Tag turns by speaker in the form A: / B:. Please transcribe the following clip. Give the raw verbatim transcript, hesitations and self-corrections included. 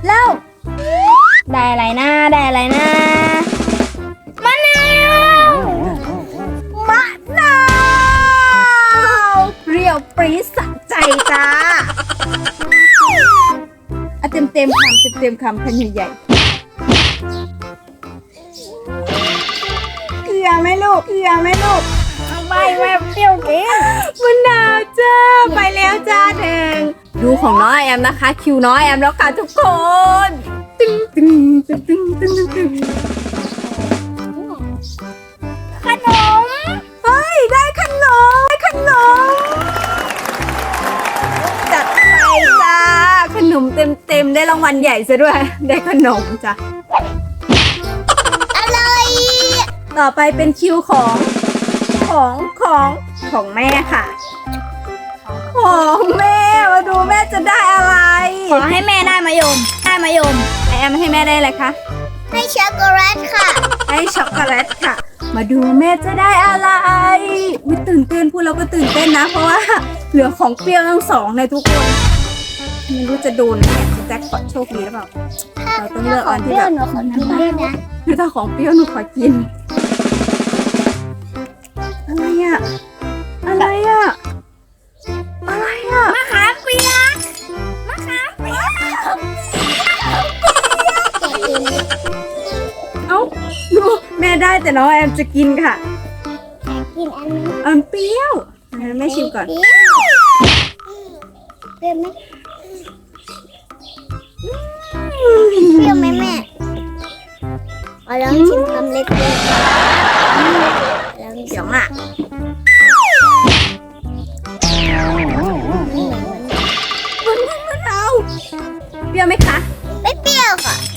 A: แล้วได้อะไรนะได้อะไรนะมะนาวมะนาวเปรี้ยวปรี๊ดสะใจจ้าอะเต็มเต็มคำเต็มเต็มคำคันใหญ่ๆเกลือไหมลูกเกลือไหมลูกไม่แม่เปรี้ยวกินมะนาวจ้าไปแล้วจ้าแดงดูของน้อยแอมนะคะคิวน้อยแอมแล้วค่ะทุกคนตึ้งตึ้งตึ้งตึ้งตึ้งตึ้งขนมเฮ้ยได้ขนมได้ขนมจัดไปจ้าขนมเต็มเต็มได้รางวัลใหญ่ซะด้วยได้ขนมจ้ะอะไรต่อไปเป็นคิวของของของของแม่ค่ะของแม่มาดูแม่จะได้อะไรขอให้แม่ได้มะยมได้มะยมไอแอมให้แม่ได้อะไรคะให้ช็อกโกแลตค่ะให้ช็อกโกแลตค่ะมาดูแม่จะได้อะไรอุ๊ยตื่นเต้นพูดเราก็ตื่นเต้นนะเพราะว่าเหลือของเปรี้ยวทั้งสองเลยทุกคนไม่รู้จะโดนไหมจะแจ็คพอตโชคดีหรือเปล่าเราต้องเลือกอันที่แบบคือถ้าของเปรี้ยวหนูขอกินอะไรอะอะไรอะอะไรอะมะขามเปียกมะขามเปียกเอ้าดูแม่ได้แต่น้องแอมจะกินค่ะกินอันนี้อันเปรี้ยวแม่ชิมก่อนเปรี้ยวไหมเปรี้ยวไหมแม่เอาลองชิมคำเล็กๆเดี๋ยวอ่ะมันมันมันเอาเปรี้ยวไหมคะไม่เปรี้ยวค่ะ